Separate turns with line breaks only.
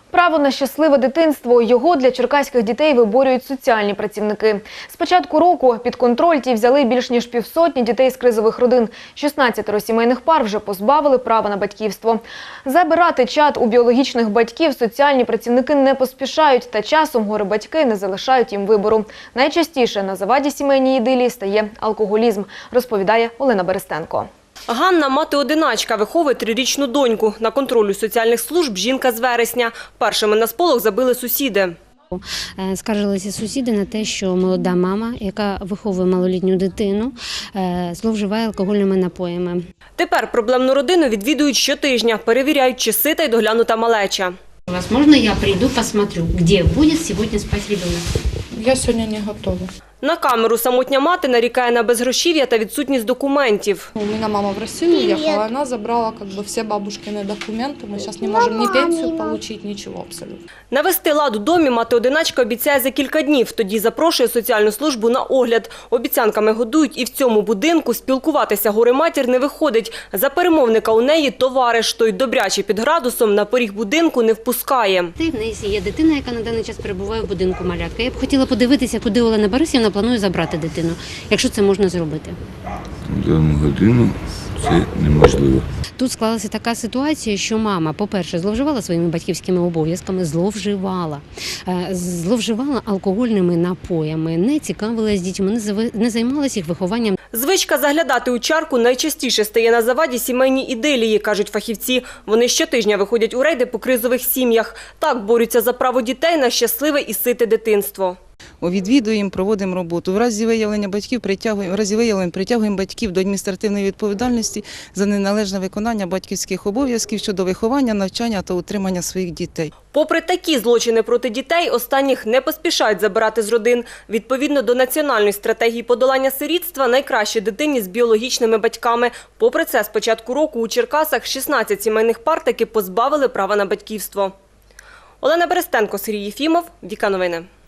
Право на щасливе дитинство – його для черкаських дітей виборюють соціальні працівники. З початку року під контроль ті взяли більш ніж 50 дітей з кризових родин. 16 сімейних пар вже позбавили права на батьківство. Забирати чад у біологічних батьків соціальні працівники не поспішають, та часом горе-батьки не залишають їм вибору. Найчастіше на заваді сімейній ідилії стає алкоголізм, розповідає Олена Берестенко.
Ганна – мати-одиначка, виховує 3-річну доньку. На контролю соціальних служб жінка з вересня. Першими на сполох забили сусіди.
Скаржилися сусіди на те, що молода мама, яка виховує малолітню дитину, зловживає алкогольними напоями.
Тепер проблемну родину відвідують щотижня, перевіряють, чи сита й доглянута малеча.
Возможно, я прийду, посмотрю, де буде сьогодні спати дитина.
Я сьогодні не готова.
На камеру самотня мати нарікає на безгрошів'я та відсутність документів.
У меня мама в Россию уехала, она забрала все бабушкины документы. Мы сейчас не можем ни пенсию получить, ничего абсолютно.
Навести лад у домі мати-одиначка обіцяє за кілька днів. Тоді запрошує соціальну службу на огляд. Обіцянками годують і в цьому будинку. Спілкуватися горе-матір не виходить. За перемовника у неї товариш. Той добряче під градусом на поріг будинку не впускає.
В неї є дитина, яка на даний час перебуває в будинку малятка. Я б хотіла подивитися, куди Олена Борисівна планує забрати дитину, якщо це можна зробити.
В дану годину це неможливо.
Тут склалася така ситуація, що мама, по-перше, зловживала своїми батьківськими обов'язками, зловживала алкогольними напоями, не цікавилася дітьми, не займалася їх вихованням.
Звичка заглядати у чарку найчастіше стає на заваді сімейній ідилії, кажуть фахівці. Вони щотижня виходять у рейди по кризових сім'ях. Так борються за право дітей на щасливе і сите дитинство.
Відвідуємо, проводимо роботу. В разі виявлення притягуємо батьків до адміністративної відповідальності за неналежне виконання батьківських обов'язків щодо виховання, навчання та утримання своїх дітей.
Попри такі злочини проти дітей, останніх не поспішають забирати з родин. Відповідно до національної стратегії подолання сирітства, найкраще дитині з біологічними батьками. Попри це, з початку року у Черкасах 16 сімейних пар таки позбавили права на батьківство. Олена Берестенко, Сергій Єфімов, Віка Новини.